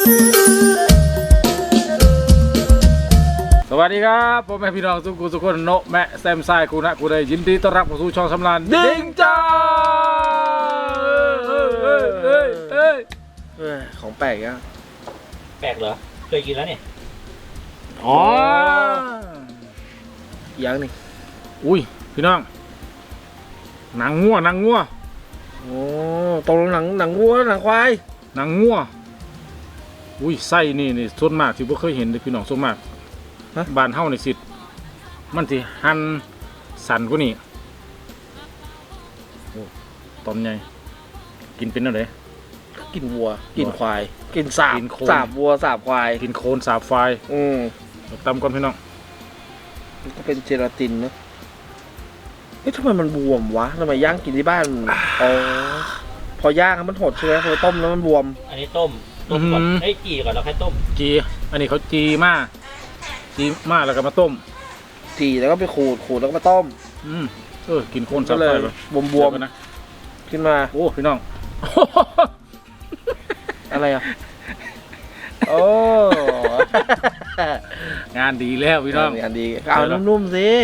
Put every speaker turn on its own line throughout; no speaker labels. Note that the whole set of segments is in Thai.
สวัสดีครับผมแม่พี่น้องทุกคนโนแม่แซมไซกูนะกูได้ยินดีต้อนรับเข้าสู่ช่องสำรานดิ้งจ้า
ของแปลกอ่ะ
แปลกเหรอ เคยกินแล้วเนี่ย
อ๋อ
ยังนี่
อุ้ยพี่น้องหนังงัว
โอ้ตรงหนังวัวหนังควาย
หนังงัวอุ้ยไส้นี่ส่วนมากที่พวกเคยเห็นเลยพี่น้องส่วนมากบ้านเฮาในสิทธิ์มันสิหั่นสันกว่านี่โอ้ตอนใหญ่กินเป็นอะไร
กินวัวกินควายกินสาบ
กินโค
สาบวัวสาบควาย
กินโคนสาบไฟ ตำก่อนพี่น้อง
มันก็เป็นเจลาตินเนอะเอ๊ะทำไมมันบวมวะทำไมย่างกินที่บ้านอ๋อพอย่างมันหดใช่ไหมพอต้มแล้วมันบวม
อันนี้ต้มก่อนเอ้ยจีก่อนแล้วค่อยต้ม
จีอันนี้เขาจีมาแล้วก็มาต้ม
จีแล้วก็ไปขูดแล้วก็มาต้ม
กินโคนสา
ก็
บ
เล
ไฟ
ย
เลย
บวม
กันนะ
ๆขึ้นมา
โอ้พี่น้อง
อะไรอ่ะโอ้
งานดีแล้วพี่น้อง
อันดีเอานุ่มๆสิ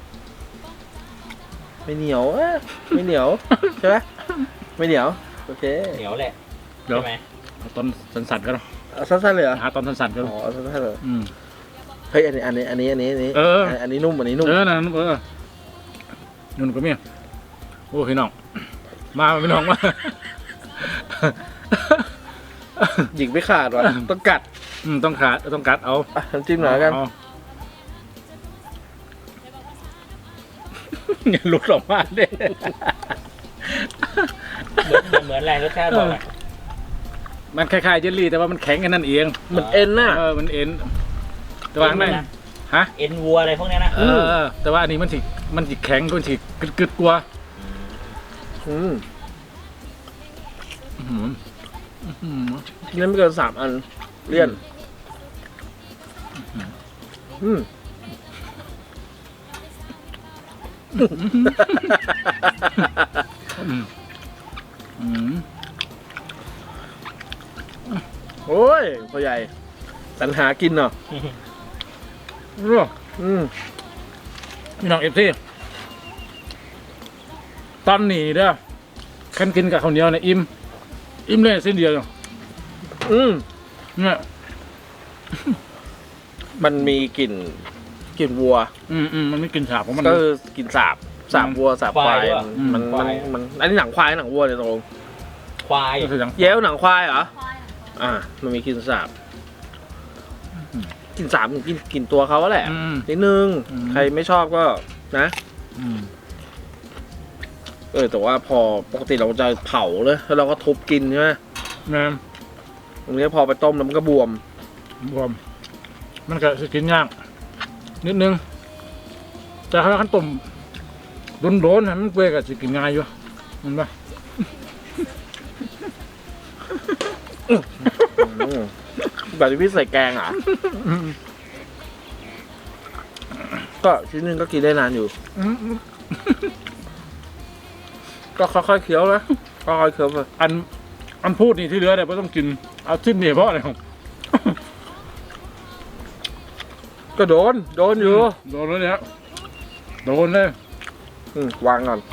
ไม่เหนียวไม่เหนียวใช่ไหมไม่เหนียวโอเค
เหนียวแหละ
เดี๋ยว
ใช่ไหม
เอาตอนสันๆกันเนาะ
เอาสั้นๆเลยเหรอ
หาตอนสันๆกัน
อ๋อสั้นๆเลย
อืม
เฮ้ยอันนี้อันนี้นุ่มอันนี้นุ่ม
นั่นนุ่นก็มีโอ้พี่น้องมาพี่น้องมา
หยิกไม่ขาดว่ะต้องกัด
ต้องกัดเอา
น้ำจิ้มหน่อยกัน
อย่าหลุดออกมาเด้
เหมือนอะไรรสชาติบอกอ่ะ
มันคล้ายๆเจลลี่แต่ว่ามันแข็งแค่นั้นเอง
เหมือนเอ็นน่ะ
มันเอ็นแต่ว่าไม่ฮะ
เอ็นวัวอะไรพวกนี้นะ
แต่ว่าอันนี้มันสิแข็งมันสิกึดกลัว
กินได้ไม่เกิน3 อันเลี่ยนโอ้ยพ่อใหญ่สรรหากินเนาะ
พี่น้องเอฟซีตอนนี้เด้อคันกินกับข้าวเหนียวเนี่ยอิ่มเลยเส้นเดียวเนี่ย
มันมีกลิ่นวัว
มันไม่กินฉาบของมัน
ก็คือกลิ่นสาบวัวสาบควายมันอันนี้หนังควายหนังวัวเนี่ยตรง
ควาย
ก็คืออย่าง
เย้วหนังควายเหรอมันมีกลิ่นสาบกลิ่นสาบกลิ่นตัวเขาแหละนิดนึงใครไม่ชอบก็นะแต่ว่าพอปกติเราจะเผาเลยแล้วเราก็ทุบกินใช่ไหมตรงนี้พอไปต้มแล้วมันก็บวม
มันก็จะกินยากนิดนึงแต่ถ้าขั้นต้มโดนมันเปื่อยก็จะกินง่ายอยู่มันปะ
แบบที่พี่ใส่แกงก็ชิ้นนึงก็กินได้นานอยู่ก็ค่อยๆเคี้ยวนะค่อยๆเคี้ยวไป
อันพูดนี่ที่เหลือเนี่ยไม่ต้องกินเอาชิ้นเดียวเพราะอะไรของ
ก็โดนอยู่
โดนแล้วเนี่ยโดนเลยว
างก่อน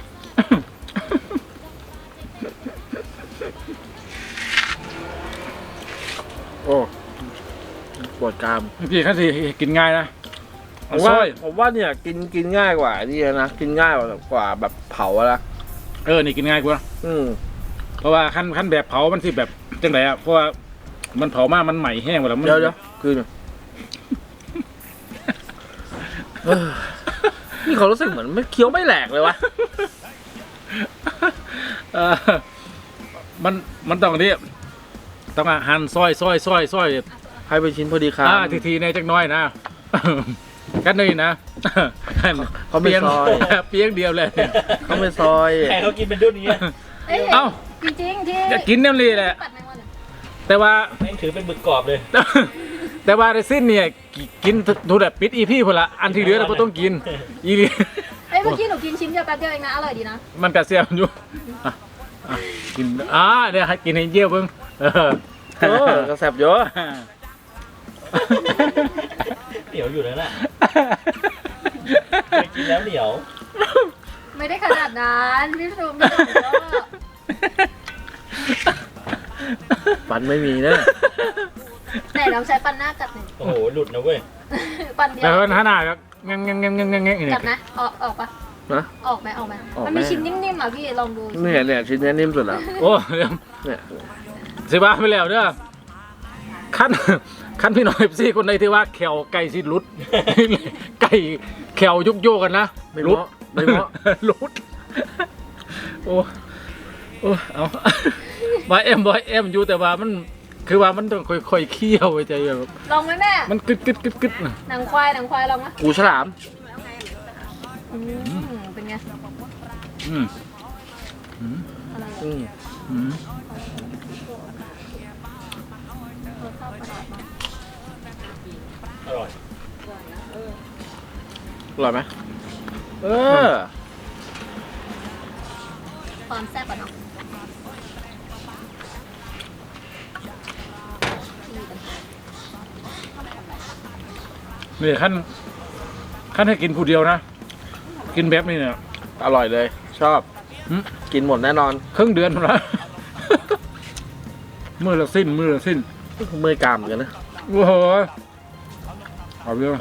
โอ้ปวดกราม
พี่ขั้นที่กินง่ายนะ
ผมว่าเนี่ยกินง่ายกว่านี่นะกินง่ายกว่าแบบเผาละ
นี่กินง่ายกว่าเพราะว่าขั้นแบบเผามันสิแบบจังไรเพราะว่ามันเผามากมันใหม่แห้งหมดแล้ว
เดี๋ยวคือนี่เขารู้สึกเหมือนไม่เคี้ยวไม่แหลกเลยวะ
มันต้องนี้ต้องหั่นซอย
ให้เป็นชิ้นพอดีครับ
ทีในจักน้อยนะกันเลยนะ
เขาไม่ซอย
เปียกเดียวเลย
เขาไม่ซอย
ใครเขากินเป็นดุ้นนี้
เอ้า
จริงที่
จะกินน้ำลีแหละแต่ว่า
ไม่ถือเป็นบึกกรอบเลย
แต่ว่าในสิ้นเนี่ยกินดูแบบปิดอีพี่พอละอันที่เหลือเราก็ต้องกินอีลี
เมื่อกี้หนูกินชิ้นเดียวแป๊บเดียวเองนะอร่อยดีนะ
มันกระเซียมอยู่กินเนี่ยให้กินให้เยี่ยวเพิ่ง
กระแสบเยอะ
เหนียวอยู่แล้วแหละเคยกินแล้วเหนียว
ไม่ได้ขนาดนั้นพี่ซูมไม่ต้องก็
ฟันไม่มีนะ
แต่เราใช้ปันหน้ากัดหนึ่ง
โอ้โหหลุดนะเว้ย
ปันเดีย
แต่
ว
ว่าหน้าแบบงั้งนี่
กัดนะออกปะ
นะ
ออกไหม
ออก
มันมีชิ้นนิ่มๆอ่ะพี่ลองดู
เนี่ยชิ้นนี้นิ่มสุดแล้ว
โอ้เดี๋ยว
เนี่ย
สิบ้าไปแล้วเด้อขั้นพี่น้อยซี่คนใดที่ว่าแขวไก่สิรุด ไก่แขวยุกโยกันนะ
ไม่เหมาะไม่เหมาะ
รุดโอ้เอาบอยเอ็มอยู่แต่ว่ามันคือว่ามันต้องค่อยๆเคี่ยวไปใจแบบ
ลองไหมแม่
มันกึดนะ
หนังควายลองไหม
กูฉลาม
เป็นไง
อืมอืม
อะไร
อืม
อืม
รสชาติประหลาดมาก
อร่อย
อร่อยไหมเออ
ความแซ่บอ่ะเนาะ
นี่ขั้นให้กินผู้เดียวนะกินแบบนี้เนี่ย
อร่อยเลย ชอบ
หืม
กินหมดแน่นอน
ครึ่งเดือนแล้ว มือละสิ้น
เมื่อยกรามเหมือนกันนะ
โอ้โหเอาเยอะ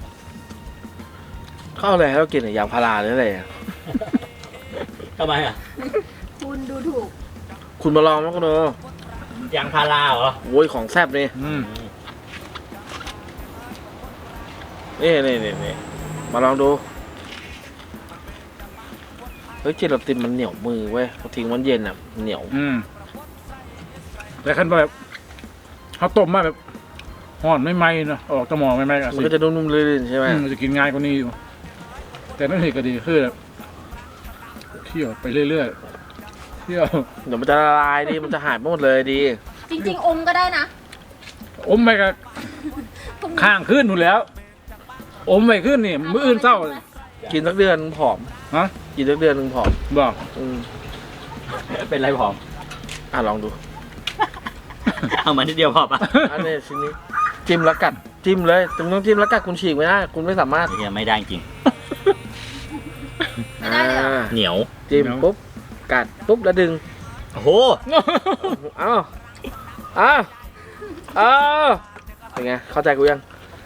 เข้าอะไรให้เรากินอะยางพาราหรืออะไรอะ
ทำไมอ่ะ
คุณดูถูก
คุณมาลองมั้งคุณโอย
างพาราเหรอ
โว้ยของแซ่บนี่
อืม
นี่มาลองดูเฮ้ยเจลาตินมันเหนียวมือเว้ยพอทิ้งมันเย็นอ่ะเหนียว
อืมแต่ขั้นแบบเขาต้มมาแบบห่อนไม่ไหมนะออกตะหมอไม่ไหมกัน
มันก็จะนุ่มๆลื่นๆใช่ไหม
มันจะกินง่ายกว่านี้อยู่แต่นั่นเหตุก็ดีคือแบบเคี่ยวไปเรื่อยๆเคี่ยว
เดี๋ยวมันจะละลายดีมันจะหายหมดเลยดี
จริงๆอมก็ได้นะ
อมไปกับข้างขึ้นอยู่แล้ว อมไปขึ้นนี่มื้ออื่นเศร้า
กินสักเดือนผอม
ฮะ
กินสักเดือนหนึงผอม
บอก
เป็นไรผอม
ลองดู
เอามาทีเดียวพอปะ
อันนี้ชิ้นนี้จิ้มแล้วกัดจิ้มเลยคุณต้องจิ้มแล้วกัดคุณฉีกไม่ได้คุณไม่สามารถ
เฮียไม่ได้จริง
ไม่ได้เลยเหรอ
เหนียว
จิ้มปุ๊บกัดปุ๊บแล้วดึง
โอ้โห
เอาเป็นไงเข้าใจกูยัง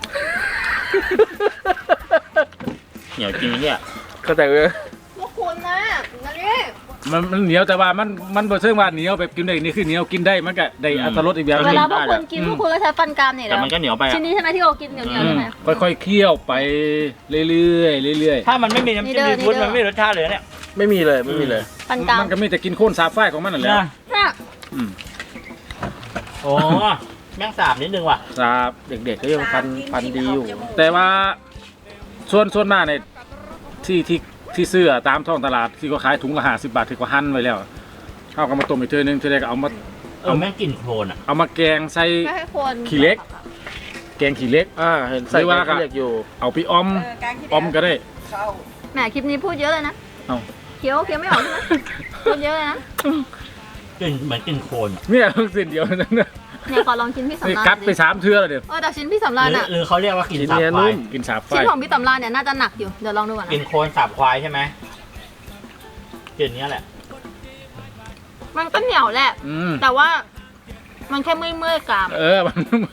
เหนียวจริงเนี่ย
เข้าใจกูยัง
พวกคุณนะนี่
มันเหนียวแต่ว่ามันบ่เชิงว่าเหนียวแบบกินได้นี่คือเหนียวกินได้มันก็ได้อรรถรสอีกแบบห
เว
นึง
ลาพวกคุณกินพวกคุณก็ใช้ฟันกรามเนี่ย
แต่มันก็เหนียวไป
ชิ้นนี้ใช่ไหมที่เรากินเหนียวๆใช่ไหม
ค่อยๆเคี่ยวไปเรื่อยๆ
ถ้ามันไม่มีน้ำจิ้มซีฟู้ดมันไม่มีรสชาติเลยเนี่ย
ไม่มีเลยไม่มีเลย
ฟันกราม
มันก็มีแต่กินโค่นสาบไฟของมันนั่นแหละ
น่ะ
อืม
โอ้แม่งสาบนิดนึงว่ะ
สาบ
เด็กๆก็ยังฟันดีอยู่
แต่ว่าส่วนมากเนี่ยที่ซื้อตามท้องตลาดที่เขาขายถุงละ50 บาทที่เขาหั่นไว้แล้วเขาก็มาต้มอีกเทื่อนึงเทื่อใดก็เอามา
แม่งกลิ่นโคลนอ่ะ
เอามาแกงใส่
ไม่ให้คน
ขี้เหล็ก แกงขี้เหล็ก
เห็นใส่
หรือว่า
แกงขี้เหล็กอยู่
เอาไปออมก็ได้
แหมคลิปนี้พูดเยอะเลยนะ
เอา
เคี้ยวไม่ออกใช่ไหมพูดเยอะเลยนะ
กลิ่นเหมือนกลิ่นโคลนอะ
เนี่ยเพิ่งสิ้นเดียวนั่นนะ
เนี่ยขอลองชิ้นพี่
นี่
สำราญ
กัดไป3 เทื่อแล้วเดี๋ยว
แต่ชิ้นพี่สำราญอ่ะ
หรือเขาเรียกว่ากลิ่น
ชิ้น
สาบ
เนี้ย
ควา
นุ่
ย
ม
กินสาบไฟ
ชิ้นของพี่สำราญเนี่ยน่าจะหนักอยู่เดี๋ยวลองดูก่อน
กลิ่น
นะ
โคลนสาบควายใช่ไหมกลิ่นเนี้ยแหละ
มันก็เหนียวแหละ
อืม
แต่ว่ามันแค่เมื่อยๆกราม
มัน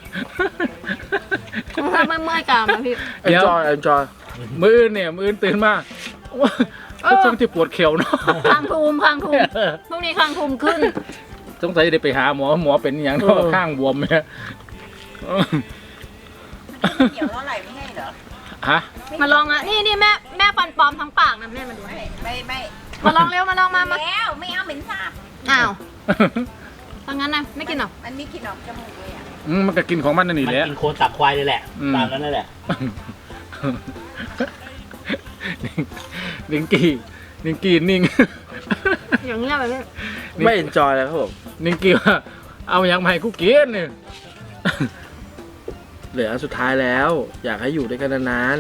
มันแค่เมื่อยๆกรามนะพี่
เดี๋ยว
enjoy
มื้ออื่นตื่นมาก็จังที่ปวดเข่าเนาะ
คางทูมพรุ่งนี้คางทูมขึ้น
สงสัยได้ไปหาหมอเป็นอย่างเนาะข้างบวมเนี่ย
เกี่ยวเท่าไหร่ไม่ให้เหรอ
ฮะ
มาลองอ่ะนี่แม่ฟันปลอมทั้งปากนะแม่มาดู
ไม่
มาลองเร็วมาลองมา
แล้วไม่เอาเหม็นสาบ
อ้าวถ้างั้นนะไม่กินหรอ
มันไม่กินออกจมูกเลยอ่ะ
มันก็กินของมันนั่นนี่
มัน
แหละ
กินโคลนสาบควายเลยแหละ
อืม
ตามนั้นนั่นแหละ
นิงกี้นิ่ง
อย่างเงี้ยแบบนี้
ไม่ enjoy เลยครับผม
นิงกี้ว่าเอาอย่างมาให้กูกินเนี่ย
เหลืออันสุดท้ายแล้ว อยากให้อยู่ด้วยกันนาน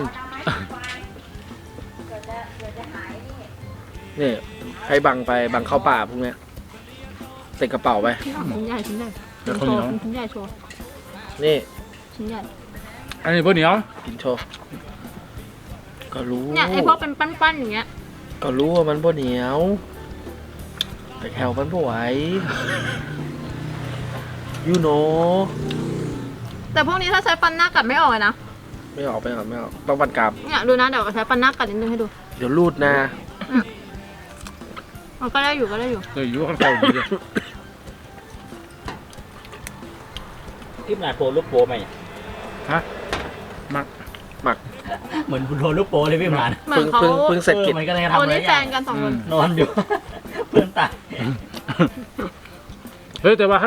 ๆนี่ให้บังเข้าป่าพวกเนี้ยติดกระเป๋าไป
ชิ้นใหญ่
แล้วข้าวเหนียว
ชิ้นใหญ่โชว์
นี่
ชิ้นใหญ่
อันนี้บะเหนียว
กินโชว์ก็รู้
เนี่ยไอพวกเป็นปั้นๆอย่างเงี้ย
ก็รู้ว่ามันบ่เหนียว แต่แถวมันบ่ไหวยูโน
แต่พวกนี้ถ้าใช้ฟันหน้ากัดไม่ออกเลยนะ
ไม่ออกต้องปันกลับ
เนี่ยดูนะเดี๋ยวใช้ฟันหน้ากัดนิดนึงให้ดู
เดี๋ยวรูดนะ
มันก็ได้อยู่ก็ได้อยู่
เลยอยู่ข้างเก่าดีเลย
ที่มันโปรลูกโปไหม
ฮะมัก
เหมือนโดนลูกโปเลยพี่หมาน
เหมือนเขา
เพิ่งเสร็จกิจ
มันก็เลย
โอ้
ทำอะไร
นี่แฟนกันสองคน
นอนอยู่ เพื่อนตาย
เฮ้ยแต่ว่า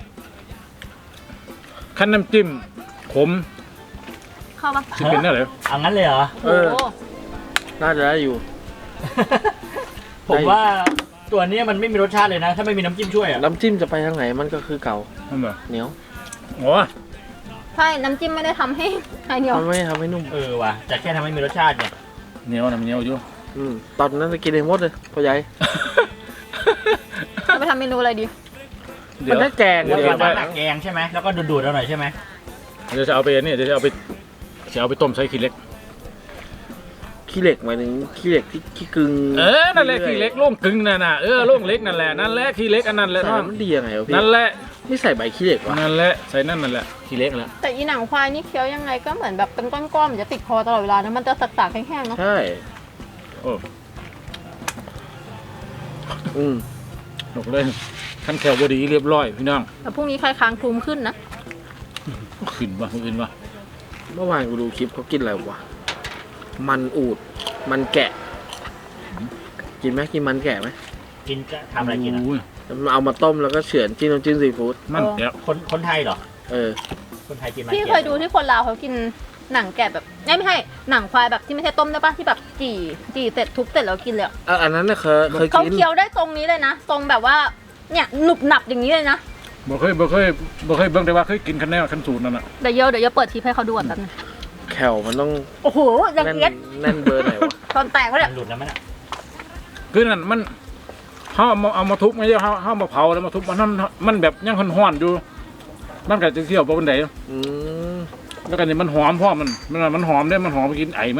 ขั้นน้ำจิ้มขม
เข้าปะ
สิเป็นได้เหรอ
เอางั้นเลยเหรอ
เออ
โอ้
น่าจะได้อยู่
ผมว่าตัวเนี้ยมันไม่มีรสชาติเลยนะ ถ้าไม่มีน้ำจิ้มช่วยอ่ะ
น้ำจิ้มจะไปทางไหนมันก็คือเก่า
นั่นเหรอ
เหนียว
โอ้
ใช่น้ำจิ้มไม่ได้ทำให้ไอเหนียว
มันไม่ทำให้นุ่ม
เออว่ะแต่แค่ทำให้มีรสชาติเนี่ย
เหนียวน้ำเหนียวอยู่
ตอนนั้นจะกินเองหมดเลยพ่อใหญ่
จะไปทำเมนูอะไรดี
เดี๋
มั
ย
น
ว
ได้แกง
แล้ว
เลย
ก็
นะ
น้ำแกงใช่ไหมแล้วก็ดูดๆเอาหน่อยใช่ไหม
เดี๋ยวจะเอาไปนี่เดี๋ยวจะเอาไปต้มใส่ขี้เหล็ก
ขี้เหล็กหมายถึงขี้เหล็กที่ขี้กึ่ง
นั่นแหละขี้เหล็กโล่งกึ่งนั่นน่ะโล่งเล็กนั่นแหละนั่นแหละขี้เหล็กอันนั้นแหละ
ใส่
น้อง
แล้วมันดียังไงวะพี่
นั่นแหละ
ไม่ใส่ใบขี้เหล็กวะ
นั่นแหละใส่นั่นแหละขี้เหล็กแหละ
แต่อีหนังควายนี่เคี้ยวยังไงก็เหมือนแบบเป็นก้อนๆมันจะติดคอตลอดเวลานะมันจะสักๆแห้งๆเนาะ
ใช่
โอ้ หนกเลยขั้นแขวบดีเรียบร้อยพี่น้อง
แต่พรุ่งนี้ใครค้างคลุมขึ้นนะ
ขึ้นวะขึ้นวะ
เมื่อวานกูดูคลิปเขากินอะไรวะมันอูดมันแกะ กินไหมกินมันแกะไหม
กินจะทำอะไรกินอ่ะ
โย
เอามาต้มแล้วก็เฉือนจิ้มน้ำจิ้มซีฟู้ด
มันแก้ว
คนไทยเหรอ
เออ
คนไทยกินไหม
พี่เคยดูที่คนลาวเขากินหนังแกะแบบไม่ใช่หนังควายแบบที่ไม่ใช่ต้มได้ปะที่แบบจี่เสร็จทุบเสร็จแล้วกินเลยอะ
อันนั้นน่ะเคย
เขา
กิน
เคี้ยวได้ตรงนี้เลยนะตรงแบบว่าเนี่ยหนุบหนับอย่างนี้เลยนะ
บ่เคยเบิ่งแต่ว่าเคยกินคันแนวคันสูตรนั่นน่ะ
เดี๋ยวเปิดทีให้เขาดูก่อนแป๊บนึง
แขวมันต้อง
โอ้โหละ
แน่น
เอียด
แน่นเบอร์ไหนวะ
ตอนแตกเขาเนี่ย
มันหลุดแล้วมั้ยน่ะ
คือนั่นมันเฮาเอามาทุบไม่ใช่เฮามาเผาแล้วมาทุบมันแบบยังฮ้อนๆอยู่มันก็จะเคี่ยวบ่ปานใด
อืม
แล้วก็นี่มันหอมเพราะมันหอมได้มันหอมไปกินไอมัน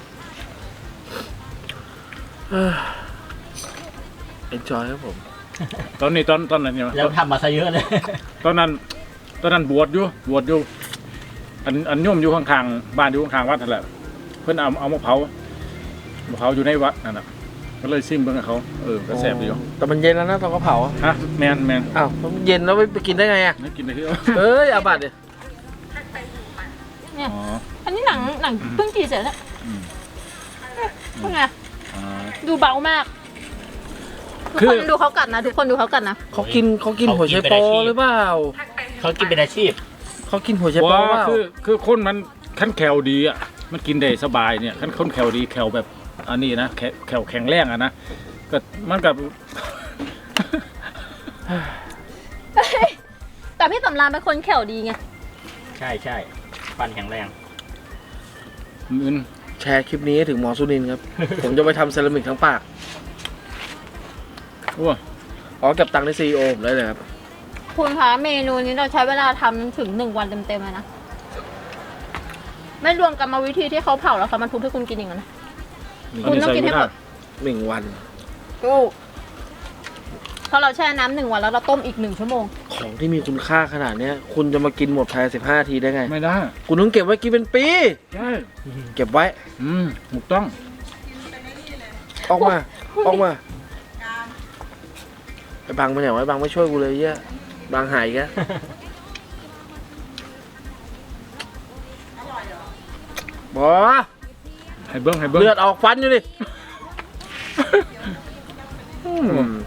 เอ็นจอยครับผม
ตอนนี้ตอนนั้นเนี่ย
แล้วทำมาซะเยอะเลย
ตอนนั้นบวชอยู่อันโยมอยู่ข้างๆบ้านอยู่ข้างๆวัดนั่นแหละเพิ่นเอามาเผาอยู่ในวัดนั่นน่ะก็เลยซิมเบิ่งกับเขาก็แซ่บดีอยู่
แต่มันเย็นแล้วนะตอนเขาเผาอะ
ฮะแมน
อ้าวมันเย็นแล้วไปกินได้ไงอ่ะ
ไม่กินได้คือ
เอ้ยอาบัติเนี่ย
เนี่ย
อ๋อ
อันนี้หนังเพิ่งจีเสร็จแล้ว
อืม
เป็นไง
อ่า
ดูเบามากทุก
คือ
คนดูเขากัดนะทุกคนดูเขากัดนะ
เขากินหัวไชโปหรือเปล่า
เขากินเป็นอาชีพ
เขากินหัวไชโป
ว่า
เปล่า
คือคนมันขั้นแคลดีอ่ะมันกินได้สบายเนี่ยขั้นคนแคลดีแคลแบบอันนี้นะแคลแข็งแรงอ่ะนะก็มันกับ
แต่พี่สำรานเป็นคนแข็วดีไง
ใช่ฟันแข็งแรง
อื่น
แชร์คลิปนี้ให้ถึงหมอสุนินท์ ครับ ผมจะไปทำเซรามิกทั้งปาก
โอ้
อ๋อเก็บตังค์ในซีโอผมได้เลยครับ
คุณคะเมนูนี้เราใช้เวลาทำถึง1 วันเต็มๆเลยนะไม่รวมกรรมวิธีที่เขาเผาแล้วเขามาทุบให้คุณกินอย่างนั้นนะ
อันนี้
คุณต้อง
ใส่
กินให้
ไม่
หม
ได้
ด
1 วัน
ถูกเพราะเราแช่น้ำ1 วันแล้วเราต้มอีก1 ชั่วโมง
ของที่มีคุณค่าขนาดเนี้ย คุณจะมากินหมดภายใน15 นาทีได้ไง
ไม่ได้
คุณต้องเก็บไว้กินเป็นปี
ใช่
เก็บไว้
ถูกต้อง
ออกมา ไอ้บังมาไหนวะไอ้บังไม่ช่วยกูเลยเหี้ยบังหายอีกแล้วบอ
ให้เบิ้ง
เลือดออกฟันอยู่ดิอืม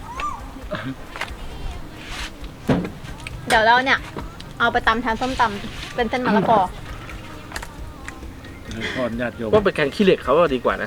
เดี๋ยวเราเนี่ยเอาไปตำแทนส้มตำเป็นเส้นมะละกอ
ทอดญาติโยม
ว่าเป็นแกงขี้เหล็กเขาว่าดีกว่านะ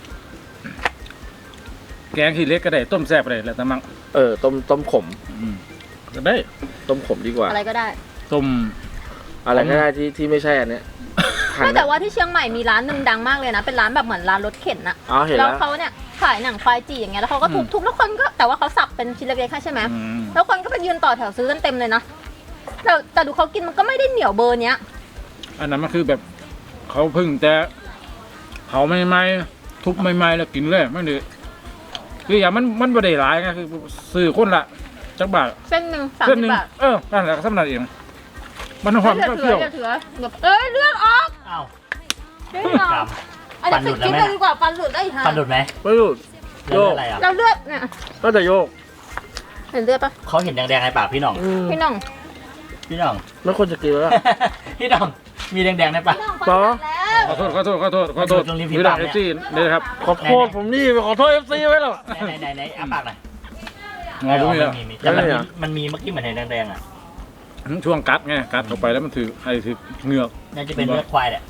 แกงขี้เล็กก็ได้ต้มแซ่บก็ได้แล้วแต่มั่ง
ต้มขม
ก็ได้
ต้มขมดีกว่า
อะไรก็ได้
ต้ม
อะไรก็ได้ที่ไม่ใช่อันเนี้ยหั่น
ไม่แต่ว่าที่เชียงใหม่มีร้านหนึ่งดังมากเลยนะเป็นร้านแบบเหมือนร้านรถเข็นอะ
อ๋อเห็น
แล้
แล้ว ว
เขาเนี่ยขายหนังควายจีอย่างเงี้ยแล้วเขาก็ทุบๆแล้วคนก็แต่ว่าเขาสับเป็นชิ้นเล็กๆให้ใช่ไหม
อืม
แล้วคนก็ไปยืนต่อแถวซื้อกันเต็มเลยนะแต่ดูเขากินมันก็ไม่ได้เหนียวเบอร์เนี้ย
อันนั้นมันคือแบบเขาเพึ่งแต่เผาใหม่ๆทุบใหม่ๆแล้วกินเลยไม่ได้คืออย่างมันบ่ได้หลายไงคือซื้อคนละจักบาท
เส้นหนึ่ง
เส้นหนึ่ง
30 บาท
นั่นแหละก็สำนักเองมันหอม
อย่า
ก็
เถื
เคี่
อ
ยว
อย่าเถือแบบเลือดออก
อ้าว
เลือดออก
กรรม
อันนี้ปิดคลิปเลยดีกว่าฟันหลุดได้อีกฮะ
ฟันหลุดไหม
ไม่รู้
เรื่องอะไรอ่ะ
เราเลือดเนี่ย
ก็จะโยก
เห็นเลือดปะ
เขาเห็นแดงๆในปากพี่หน่อง
พี่น้อง
พี่หน่อง
ไม่ควรจะกินแล้วล่ะ
พี่หน่องมีแดงๆในปาก
พี่น้อง
ป๋อ
ฟันหลุดแล้ว
ขอโทษ
ตรงริมฝี
วิ
ปา
ดาก เอ
เนี่ย
ซี่เลยครับ
ขอโทษผมนี่ขอโทษ FC ไว้หรอ
ไหนอ้าปากหน่อย
งอตรงนี้แล้ว
มีแต่มัน
ได้
มี
เหรอ
มันมีเมื่อกี้เหมือนเห็นแดงๆอ่ะ
ช่วงกัดไงกัดเข้าไปแล้วมันถือไอ้ถือเหงือก
น่าจะเป็นเลือดควายแหละ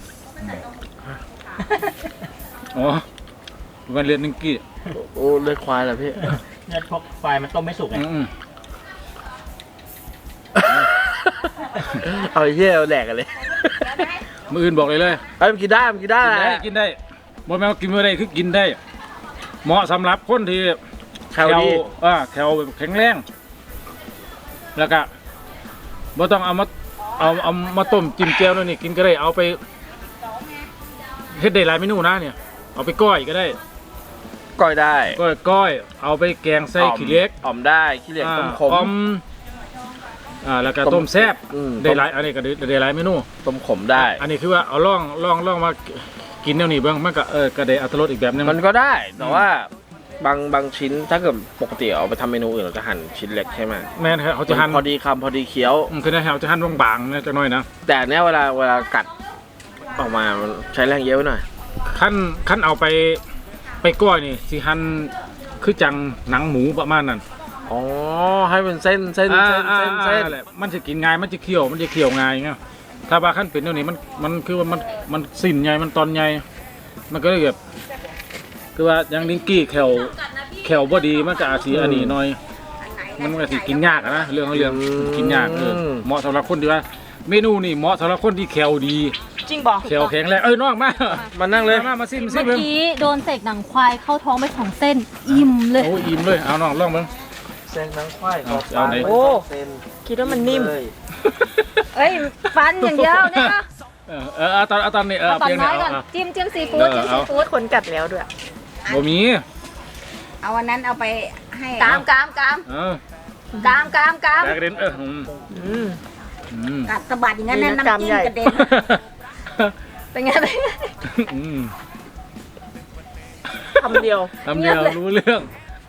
อ๋อมันเรียนนิงกี้
โอ้เลยควายเหรอพี่
เลือดพวกควายมันต้มไม่สุกไง
เอาไอ้เหี้ยเอาแหลกกันเลย
มืออื่นบอกเลย
ไอ้มันกินได้มันกินได้
กินได้บ่แม่นว่ากินไม่ได้คือกินได้ เหมาะสำหรับคนที่
แคลดี
แคลแบบแข็งแรงแล้วก็บ่ต้องเอามาต้มจิ้มแจ่วด้วยนี่กินก็ได้เอาไปเฮ็ดได้หลายเมนูนะเนี่ยเอาไปก้อยก็ได้
ก้อยได้
ก้อยเอาไปแกงใส่ขี้เหล็ก
อ่อมได้ขี้เหล็กต้มขม
ออมแล้วก็ต้มแซ่บ
อืม
ได้หลายอันนี้ก็ได้หลายเมนู
ต้มขมได้
อันนี้คือว่าเอาล่องมากินแนวนี้เบิ่งมันก็ก็ได้อรรถรสอีกแบบนึง
มันก็ได้แต่ว่าบางชิ้นถ้าเกิดปกติเอาไปทำเมนูอื่นเราจะหั่นชิ้นเล็กใช่ไหม
แม่นครับเขาจะหั่น
พอดีคำพอดีเคี้ยว
คือในแถวจะหั่นบางๆนะจักหน่อยนะ
แต่เนี้ยเวลากัดออกมามันใช้แรงเยอะไปหน่อย
ขั้นเอาไปก้อยนี่สิหั่นคือจังหนังหมูประมาณนั้น
อ๋อให้เป็นเส้น
แหละมันจะกินง่ายมันจะเคี่ยวง่ายไงถ้าว่าขั้นเป็นเดี๋ยวนี้มันคือว่ามันสิ้นใหญ่มันตอนใหญ่มันก็เลยแบบคือว่าอย่างลิงกี้แขวบ่ดีมันก็อาจสิอันนี้หน่อยมันก็สิกินยากอะนะเรื่องกินยากเหมาะสำหรับคนที่ว่าเมนูนี่เหมาะสำหรับคนที่แขวดี
จริงบอก
แขวแข็งแรงน้องมา
มานั่งเลย
มาซิม
เมื่อกี้โดนเสกหนังควายเข้าท้องไป2 เส้น อิ่มเลย
โอ้อิ่มเลยเอาน้องลองเบิ่ง
เส้นทั้งควาย
เอาไหน
โอ้เส้น
คิดว่ามันนิ่ม
เลย
เอ้ยฟันอย่างเดียวเนี่ยนะ
เอาตอนนี้
เอาตอน
เพียง
น้อยก่อน
เอา
จิ้มซีฟู้ดจิ้มซีฟู้ด
คนกัดแล้วด้วย
บ่มี
เอาวันนั้นเอาไปให้
กาม
เออ
แต
แตกกระเด็น
กัดสะบัดอย่างนั้นนะน้ำจิ้มกระเด็น
เป็นไง
คำเดียว
ทำเดียวรู้เรื่อง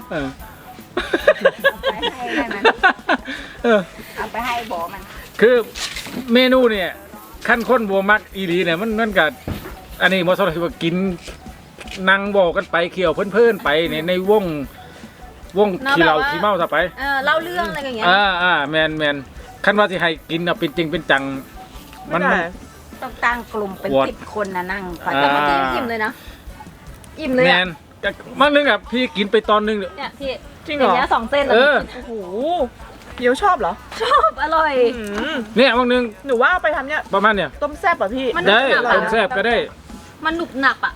ไปให้ได้มันเอาไปให้บอกมัน
คือเมนูเนี่ยขั้นข้นบัวมักอีหลีเนี่ยมันกับอันนี้มอสซาเรลว่ากินนั่งบอกกันไปเขี่ยวเพื่อนๆไปในวงขี้เราขี้เมาซะไป
เล่าเรื่องอะไรอย่างเงี้ย
แมนขั้นว่าที่ให้กินเป็นจริงเป็นจังมัน
ต้องตั้งกลุ่มเป็น
ขวด
10 คนนะนั่งคอย
แต่เมื่อกี้อิ่มเลยนะ อิ่มเลย
แม
อ่ะ
นมันนึงอ่ะพี่กินไปตอนนึง
เนี่ยพี่
จริงเหรอ
ย่าเงี้ย2 เส้นแล้ว
โอ้โหเดี๋ยวชอบเหรอ
ชอบอร่อย
เนี่ยบางนึง
หนูว่าเอาไปทำเนี่ย
ประมาณเนี่ย
ต้มแซ่บป่ะพี่
มัน
ได้
หนักอะ
ต้มแซ่บก็ได้
มันหนุบหนับอ่ะ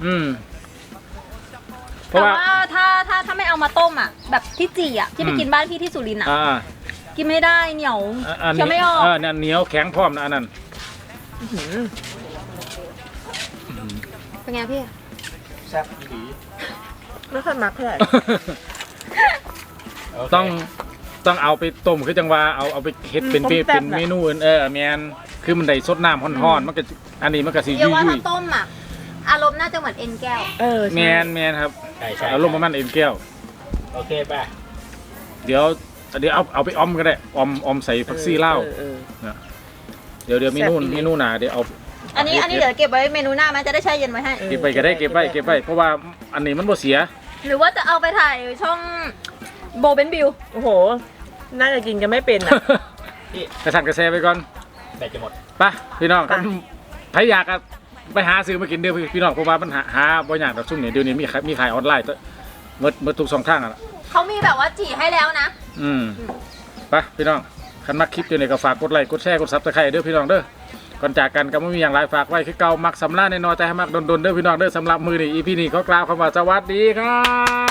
เพราะ
แต่
ว่า
ว่าถ้าไม่เอามาต้มอ่ะ แบบที่จีอ่ะที่ไปกินบ้านพี่ที่สุรินทร์อ่ะ กินไม่ได้เหนียว
อัน
เคี้ยวไม่
นี้
ออก
เนี่ยเหนียวแข็งพร้อมนะอันนั้น
เป็นไงพี่
แซ่บผี
ไม่ค่อยมักเท่าไหร่
ต้องเอาไปต้มคือจังว่าเอาไปเฮ็ดเป็น
ต้มแซ่บ
เป็นเมนูอื่นแมนคือมันได้สดน้ำร้อนๆมันก็อันนี้มันก็สิ
เดี๋ยวว่า
ยุ่
ถ้าย ต้มอ่ะ อารมณ์น่าจะเหมือนเอ็นแก้ว
ๆแมนครับ
ใช่
อารมณ์ประมาณเอ็นแก้ว
โอเคป่ะ
เดี๋ยวเอาไปออมก็ได้ออมใส่ผักซี่เหล้าเดี๋ยวเมนูหนาเดี๋ยวเอา
อันนี้เดี๋ยวเก็บไว้เมนูหน้าไหมจะได้แช่เย็นไว้ให้
เก็บไปก็ได้เก็บไว้เพราะว่าอันนี้มันบ่เสีย
หรือว่าจะเอาไปถ่ายช่องโบเบนบิว
โอ้โห น่าจะกินกันไม่เป็นอ่ะ
กระสันกระแซไปก่อน
แบตจะหมด
ไปพี่น้องใครอยากไปหาซื้อมากินเด้อพี่น้องเพราะว่ามันหาบ่ยากดอกซุ่มเนี่ยเดี๋ยวนี้มีขายออนไลน์เมื่อทุก2ทางอ่ะ
เขามีแบบว่าจีให้แล้วนะ
ไปพี่น้องคันมักคลิปอยู่ในก็ฝากกดไลค์กดแชร์กดซับสไครต์เด้อพี่น้องเด้อก่อนจากกันก็ไม่มีอย่างไรฝากไว้คือเก่ามักสำลักแน่นอนแต่ให้มักดนๆเด้อพี่น้องเด้อสำหรับมือนี่อีพีนี้ก็กล่าวคำว่าสวัสดีครับ